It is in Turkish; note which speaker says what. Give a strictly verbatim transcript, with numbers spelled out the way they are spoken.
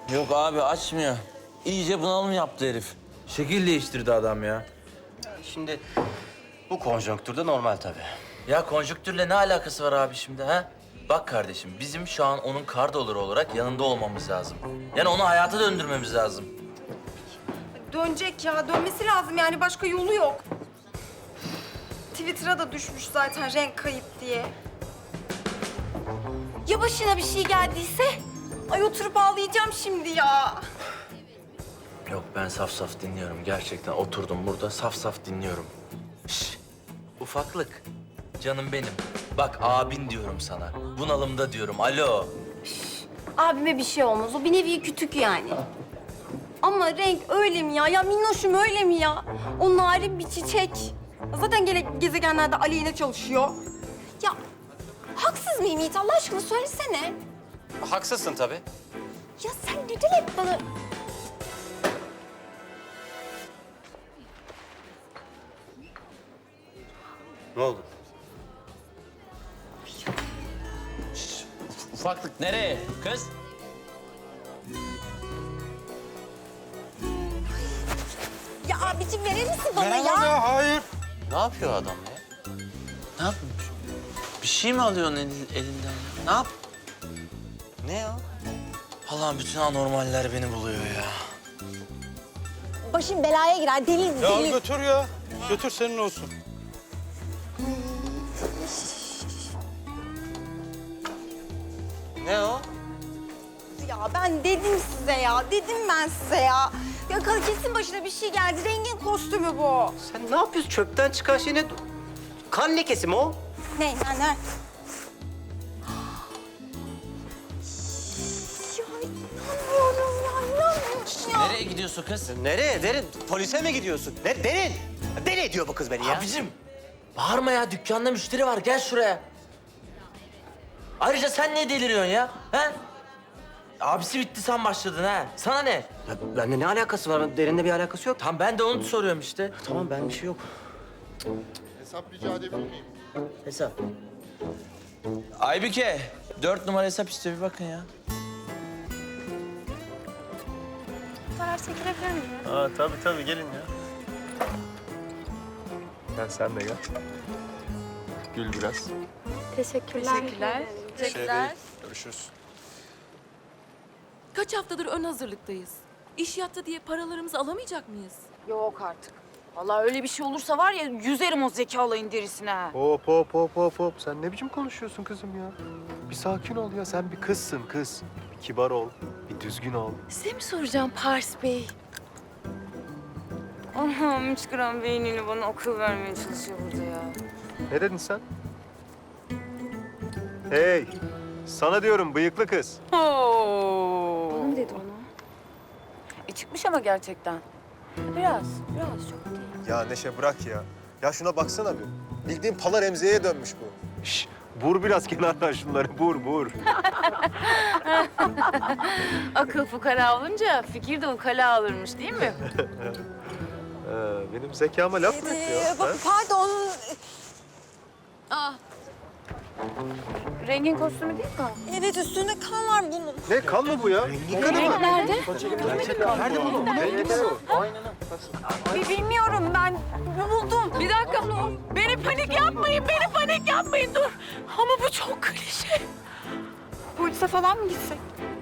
Speaker 1: Yok abi açmıyor. İyice bunalım yaptı herif. Şekil değiştirdi adam ya.
Speaker 2: Şimdi bu konjonktürde normal tabii.
Speaker 1: Ya konjüktürle ne alakası var abi şimdi ha? Bak kardeşim bizim şu an onun kardolları olarak yanında olmamız lazım. Yani onu hayata döndürmemiz lazım.
Speaker 3: Dönecek ya, dönmesi lazım yani başka yolu yok. Twitter'a da düşmüş zaten renk kayıp diye. Ya başına bir şey geldiyse? Ay oturup ağlayacağım şimdi ya.
Speaker 1: Yok ben saf saf dinliyorum gerçekten. Oturdum burada saf saf dinliyorum. Şş, ufaklık. Canım benim. Bak abin diyorum sana. Bunalımda diyorum. Alo.
Speaker 3: Abime bir şey olmaz, o bir nevi kütük yani. Ama renk öyle mi ya? Ya minnoşum öyle mi ya? O narin bir çiçek. Zaten gene gezegenlerde aleyhine çalışıyor. Ya haksız mıyım Yiğit? Allah aşkına söylesene.
Speaker 2: Haksızsın tabii.
Speaker 3: Ya sen neden hep bana...
Speaker 2: Ne oldu?
Speaker 1: Ufaklık nereye kız?
Speaker 3: Ya abicim verir misin bana ya?
Speaker 4: hayır.
Speaker 1: Ne yapıyor adam ya? Ne yapmış? Bir şey mi alıyorsun elin- elinden ya? Ne yap?
Speaker 2: Ne o?
Speaker 1: Allah'ım bütün anormaller beni buluyor ya.
Speaker 3: Başım belaya girer, deli
Speaker 4: Ya
Speaker 3: deli.
Speaker 4: götür ya. Götür senin olsun.
Speaker 2: Ne o?
Speaker 3: Ya ben dedim size ya, dedim ben size ya. Ya kesin başına bir şey geldi, rengin kostümü bu.
Speaker 2: Sen ne yapıyorsun? Çöpten çıkan şey ne? Kan lekesi mi o?
Speaker 3: Ne, ne, ne? Ya inanmıyorum ya, inanmıyorum ya.
Speaker 1: Nereye gidiyorsun kız?
Speaker 2: Nereye? Derin. Polise mi gidiyorsun? Ne? Derin. Deli ediyor bu kız beni ya.
Speaker 1: Abicim bağırma ya dükkanda müşteri var gel şuraya. Ayrıca sen ne deliriyorsun ya? He? Abisi bitti sen başladın ha. Sana ne?
Speaker 2: Ya benimle ne alakası var? Derinle bir alakası yok.
Speaker 1: Tam ben de onu soruyorum işte.
Speaker 2: Tamam ben bir şey yok.
Speaker 5: Hesap rica edebilir miyim?
Speaker 2: Hesap.
Speaker 1: Aybüke dört numara hesap istiyor bir bakın ya.
Speaker 3: Fotoğraf çekilebilir miyim?
Speaker 4: Aa, tabii tabii gelin ya. Gel sen de gel. Gül biraz.
Speaker 3: Teşekkürler.
Speaker 6: Teşekkürler.
Speaker 4: Görüşürüz.
Speaker 6: Kaç haftadır ön hazırlıktayız. İş yattı diye paralarımızı alamayacak mıyız?
Speaker 7: Yok artık. Vallahi öyle bir şey olursa var ya yüzerim o zekalayın derisine. ha.
Speaker 4: Hop hop hop hop hop. Sen ne biçim konuşuyorsun kızım ya? Bir sakin ol ya. Sen bir kızsın kız. Bir kibar ol. Bir düzgün ol.
Speaker 7: Size mi soracağım Pars Bey? Allah'ım çıkaran beynini bana akıl vermeye çalışıyor burada ya.
Speaker 4: Ne dedin sen? Hey! Sana diyorum bıyıklı kız.
Speaker 7: Oo. Bana mı dedi onu? E çıkmış ama gerçekten. Biraz, biraz çok değil.
Speaker 8: Ya Neşe bırak ya. Ya şuna baksana bir. Bildiğin pala Remziye'ye dönmüş bu.
Speaker 4: Şş, vur biraz kenardan şunları. Vur, vur.
Speaker 7: Akıl fukara olunca fikir de ukala alırmış değil mi?
Speaker 4: Ee, benim zekama laf mı ediyor?
Speaker 3: Ee,
Speaker 4: ha?
Speaker 3: pardon.
Speaker 6: Aa,
Speaker 7: Rengin kostümü değil mi?
Speaker 3: Evet üstünde kan var bunun.
Speaker 4: Ne kan mı bu ya?
Speaker 7: Renk nerede?
Speaker 4: Nerede buldun bunu?
Speaker 3: Bi- Bilmiyorum ben buldum.
Speaker 7: Bir dakika. Beni panik yapmayın, beni panik yapmayın dur. Ama bu çok klişe.
Speaker 3: Polise falan mı gitsek?